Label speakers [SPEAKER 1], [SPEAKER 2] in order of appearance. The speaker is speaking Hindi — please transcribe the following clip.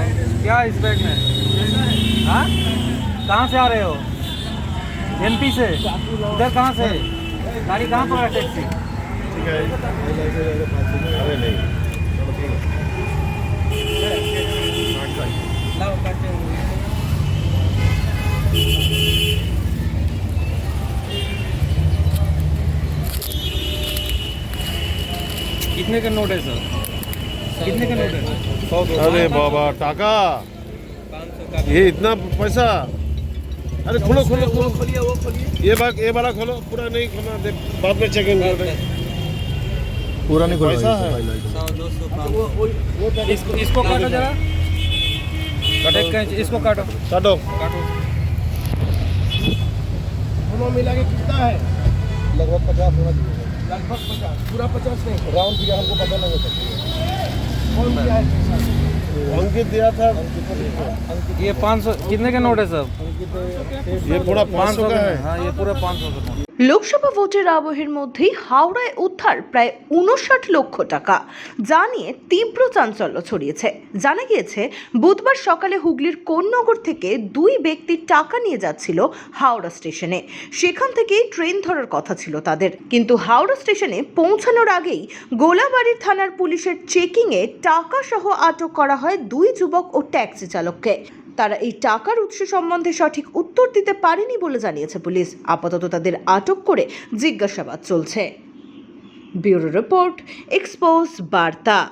[SPEAKER 1] क्या इस बैग में? हाँ, कहाँ से आ रहे हो? एमपी से? इधर कहाँ से? गाड़ी कहाँ पर है? टैक्सी?
[SPEAKER 2] ठीक है। अरे नहीं
[SPEAKER 1] कितने का नोट है सर? कितने का नोट है?
[SPEAKER 2] अरे बाबा टाका, ये इतना पैसा। अरे खोलो खोलो खोलो, ये वाला खोलो, पूरा नहीं खोलना, बाद में चेकिंग करेंगे।
[SPEAKER 3] पूरा नहीं खोला
[SPEAKER 2] पैसा है।
[SPEAKER 1] 100, 200, 500। इसको काटो जरा, एक कैंच इसको काटो।
[SPEAKER 2] काटो।
[SPEAKER 4] दोनों मिला के कितना है?
[SPEAKER 3] लगभग 50 होना चाहिए।
[SPEAKER 4] लगभग 50, पूरा 50 नहीं।
[SPEAKER 3] राउंड फिगर हमको पता नहीं होता।
[SPEAKER 4] कौन दिया है पैसा?
[SPEAKER 2] अंकित दिया था।
[SPEAKER 1] ये 500 कितने का नोट है सर?
[SPEAKER 2] ये पूरा 500 का है।
[SPEAKER 1] हाँ, ये पूरा 500 का नोट।
[SPEAKER 5] লোকসভা ভোটের আবহের মধ্যেই হাওড়ায় উদ্ধার প্রায় 59 লক্ষ টাকা, যা নিয়ে তীব্র চাঞ্চল্য ছড়িয়েছে। জানা গিয়েছে বুধবার সকালে হুগলির কোন্নগর থেকে দুই ব্যক্তি টাকা নিয়ে যাচ্ছিল হাওড়া স্টেশনে। সেখান থেকেই ট্রেন ধরার কথা ছিল তাদের, কিন্তু হাওড়া স্টেশনে পৌঁছানোর আগেই গোলাবাড়ির থানার পুলিশের চেকিংয়ে টাকা সহ আটক করা হয় দুই যুবক ও ট্যাক্সি চালককে। তারা এই টাকার উৎস সম্বন্ধে সঠিক উত্তর দিতে পারেনি বলে জানিয়েছে পুলিশ। আপাতত তাদের আটক করে জিজ্ঞাসাবাদ চলছে। ব্যুরো রিপোর্ট, এক্সপোজ বার্তা।